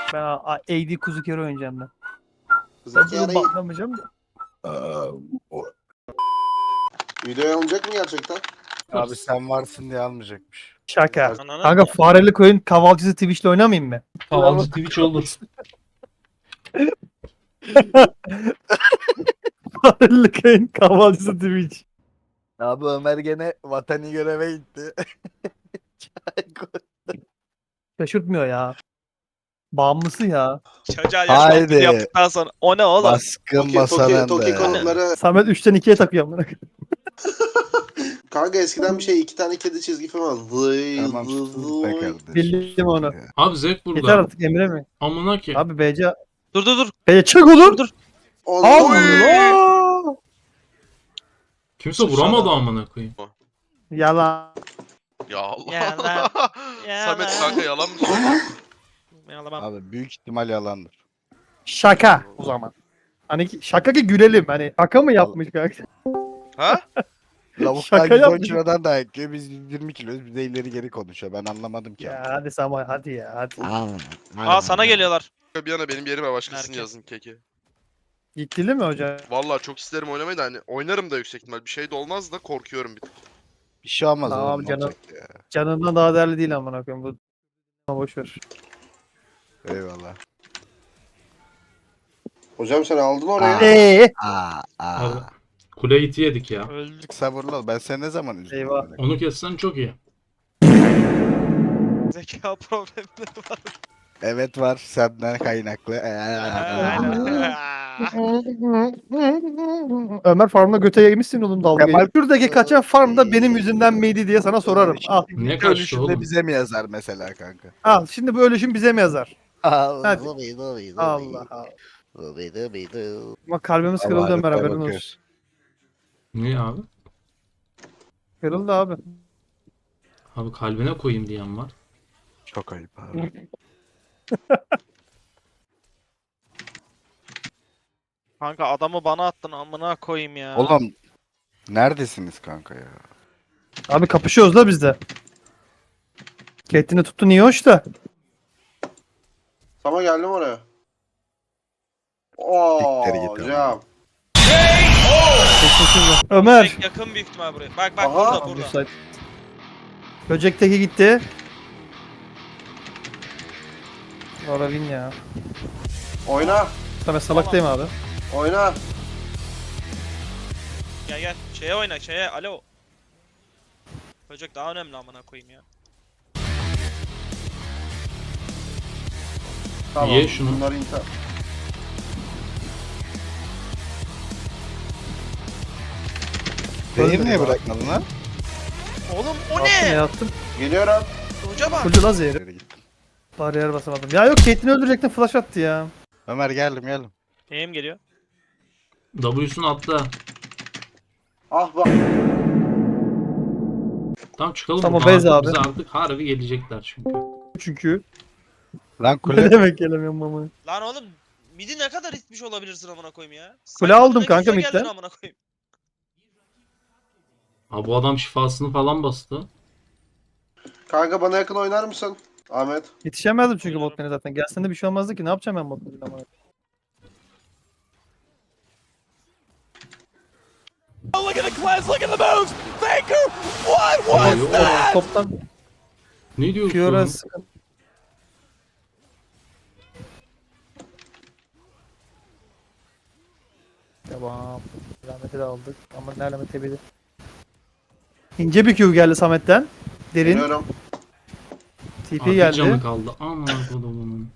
Ben AD kuzu kere oynayacağım ben. Kızım Ben bunu yarayı. banlamayacağım da. Videoya alınacak mı gerçekten? Abi sen varsın diye almayacakmış. Şaka. Ananı Kanka fareli koyun kahvaltıcısı Twitch'le oynamayayım mı? Havalcı Twitch olur. Fareli koyun kahvaltıcısı Twitch. Abi Ömer gene vatani göreve gitti. Şaşırtmıyor ya. Bağımlısı ya. Çocuğa Haydi. yaşantı yaptıktan sonra. O ne oğlum? Baskın Toki masanın konukları. Samet 3'ten 2'ye takıyor amına koyayım. Kanka eskiden bir şey 2 tane kedi çizgi film var. Vıy Tamam vıy sus be vıy. kardeşim. Bildim onu. Abi Zek Yeter burada. artık Emre mi? Amına ki. Abi BC. Dur. BC çık oğlum. Dur. Allah. Kimse vuramadı amına koyayım. Yalan. Ya Allah. Yalan. Samet kanka yalan mı söylüyorsun? Yalamam. Abi büyük ihtimal yalandır. Şaka o zaman. Hani şaka ki gülelim. Hani şaka mı yapmış kanka? Ha? Lavuklar Şaka 110 yapmış. kilodan da yakıyor. Biz 120 kiloyuz. Bize ileri geri konuşuyor. Ben anlamadım ki. Ya hadi Sama hadi ya hadi. Aa sana geliyorlar. Bir yana benim yerime başkasını Merkez. yazın keki. Gittili mi hocam? Vallahi çok isterim oynamayı da hani oynarım da yüksek ihtimal. Bir şey de olmaz da korkuyorum bir tık. Bir şey olmaz Tamam oğlum. Ne canım. olacak ya? Canından daha değerli değil amına koyayım bu. Boş ver. Eyvallah. Hocam sen aldın oraya. Abi. Kule iti yedik ya. Öldük. Sabırlı ol. Ben seni ne zaman üzdüm? Eyvah. amına? Onu kessen çok iyi. Zeka problemleri var. Evet var. Senden kaynaklı. Ömer farmda göte yemişsin oğlum dalga Kemal- geçiyor. Şuradaki kaçan farmda benim yüzümden miydi diye sana sorarım. Al. Ne İlk kaçtı ölüşünde oğlum? bize mi yazar mesela kanka? Al. Şimdi bu ölüşüm bize mi yazar? Allah Hadi. Allah Allah. Ama kalbimiz kırıldı Ömer haberin olsun. Niye abi? Kırıldı abi. Abi kalbine koyayım diyen var. Çok ayıp abi. Kanka adamı bana attın amına koyayım ya. Oğlum neredesiniz kanka ya? Abi kapışıyoruz da biz de. Kettin'i tuttu niye hoş da. Sama geldim oraya. Oo Siktir git hocam. Ömer. Zek yakın büyük ihtimal buraya. Bak Aha. burada. Müsait. Böcekteki gitti. Oravin ya. Oyna. Samet salaktayım abi. Oyna. Gel. Şeye oyna şeye. Alo. Böcek daha önemli amına koyayım ya. Tamam. Ye şunu. Bunları intihar. Zehir niye bırakmadın lan? Oğlum o Attım ne? ya attım. Geliyorum. Hoca bak. Fulcu la zehri. Geri gittim. Bariyer basamadım. Ya yok Caitlyn'i öldürecektim flash attı ya. Ömer geldim. Neyim geliyor? W'sunu atla. Ah bak. Tamam çıkalım Tamam, buradan bez artık. abi. Bize artık harbi gelecekler çünkü. Çünkü. Lan Ne kule. demek gelemiyorum ama. Lan oğlum midi ne kadar itmiş olabilirsin amına koyayım ya. Kule Sen aldım bana kanka güzel geldin midden. amına koyayım. Ha bu adam şifasını falan bastı. Kanka bana yakın oynar mısın? Ahmet. Yetişemezdim çünkü bot lane'e zaten. Gelsen de bir şey olmazdı ki. Ne yapacağım ben bot lane'de ama. Abi, o- Toptan Ne diyorsun? Fiora sıkın. Tamam. Alamet'i de aldık. Ama ne alameti bilir. İnce bir Q geldi Samet'ten. Derin. Geliyorum. TP Abi geldi. canı kaldı. Aman kodumunun.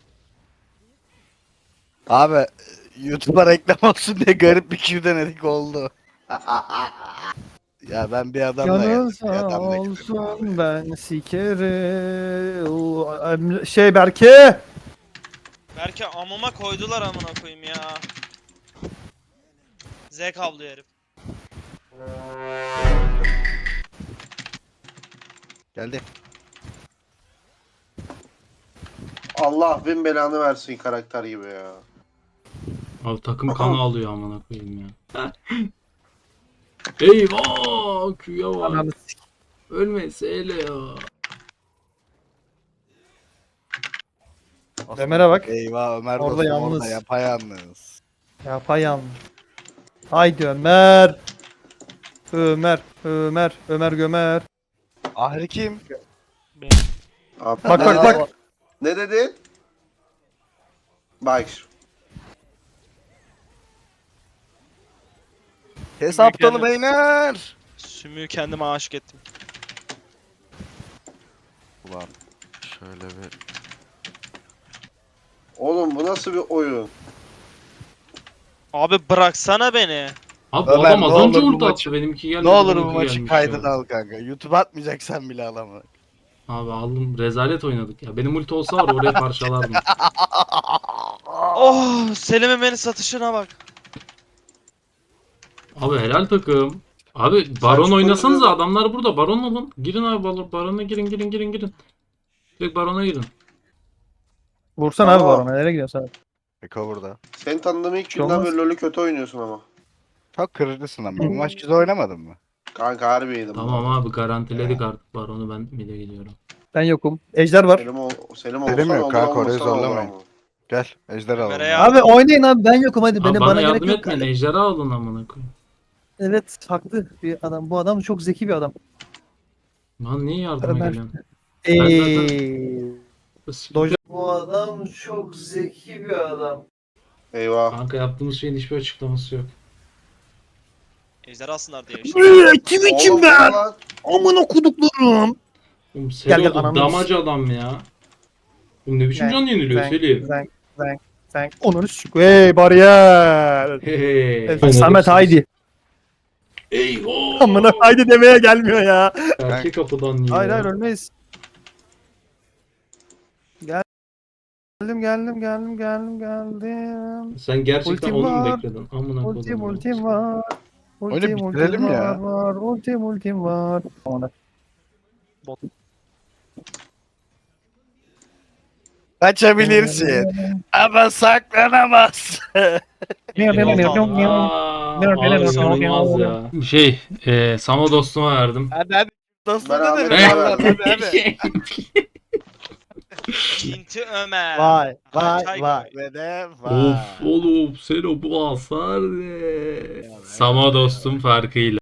Abi YouTube'a reklam olsun diye garip bir Q denedik oldu. Ya ben bir adamla Canın geldim. Bir sağ adamla gittim abi. olsun ben sikerim. Şey Berke. Belki amıma koydular amına koyayım ya. Zek avlıyor herif. Geldi. Allah bin belanı versin karakter gibi ya. Abi takım kanı alıyor amına koyayım ya. Eyvah! Q'ya var. Ananı sik. Ölmese hele ya. Ömer'e bak. Eyvah Ömer Orada dostum yalnız. orada yapayalnız. Yapayalnız. Haydi Ömer. Ömer gömer. Ahri kim? Abi, Bak ne bak dedi? bak. Ne dedi? Bak. Hesaptalı beyler. Sümüğü kendime aşık ettim. Ulan şöyle bir. Oğlum bu nasıl bir oyun? Abi bıraksana beni. Abi bu Ömer, adam ne az önce olur bu ulti maçı- attı. Benimki gelmedi. Ne olur bu bununki maçı gelmiş kaydına ya. al kanka. YouTube atmayacaksan bile alamam. Abi aldım. Rezalet oynadık ya. Benim ulti olsa var oraya parçalardım. Oh, Selim'in beni satışına bak. Abi helal takım. Abi baron Saçma oynasanız oluyor. adamlar burada. Baron olun. Girin abi barona girin. Direkt barona girin. Vursan Tamam. abi barona. Nereye gidiyorsun sen? Eko burada. Seni tanıdığım ilk Bir şey günden olmaz. beri LoL'ü kötü oynuyorsun ama. Çok kırıcısın ama. Bu maç güzel oynamadın mı? Kanka harbiydim. Tamam bu arada. abi garantiledik artık baronu, ben mid'e gidiyorum. Ben yokum. Ejder var. Selim Selim olsan yok olur, kanka, orayı olmasan olur zorlamayın. ama. Gel ejder alalım. Ömer'e yardım. Abi oynayın abi ben yokum hadi. Abi Beni bana bana gerek yardım yok. etmeyin. Ejderha alın amına koyayım. Evet haklı bir adam. Bu adam çok zeki bir adam. Lan niye yardıma Ömer. geliyorsun? Eee. Bas- Doja. Bu adam çok zeki bir adam. Eyvah. Kanka yaptığımız şeyin hiçbir açıklaması yok. Ejder alsınlar diye işte. Kim Oğlum, bu ne lan? Aman okuduklarım. Oğlum Selo gel, da ananı damacı adam ya. Oğlum ne biçim Zenk, can yeniliyor Selim? Sen. Onları sük. Hey bariyer. Hey. Evet, Samet haydi. Eyvah. Amına haydi demeye gelmiyor ya. Erkek kapıdan yiyor. Hayır ölmeyiz. Geldim. Sen gerçekten Ultim onu mu var. bekledin? Amına koydum. Ultim var. Oyunu bitirelim ya. Var. Ultim var. Amına. Kaçabilirsin. Ama saklanamazsın. Aa, abi inanılmaz ya. Samo dostuma verdim. Hadi. Dostum Ben da Ahmet'e dedim. verdim. Hadi. Kinti Ömer. Vay Çay vay. koy. Ve de Of oğlum Selo bu hasar ne? Samo dostum farkıyla.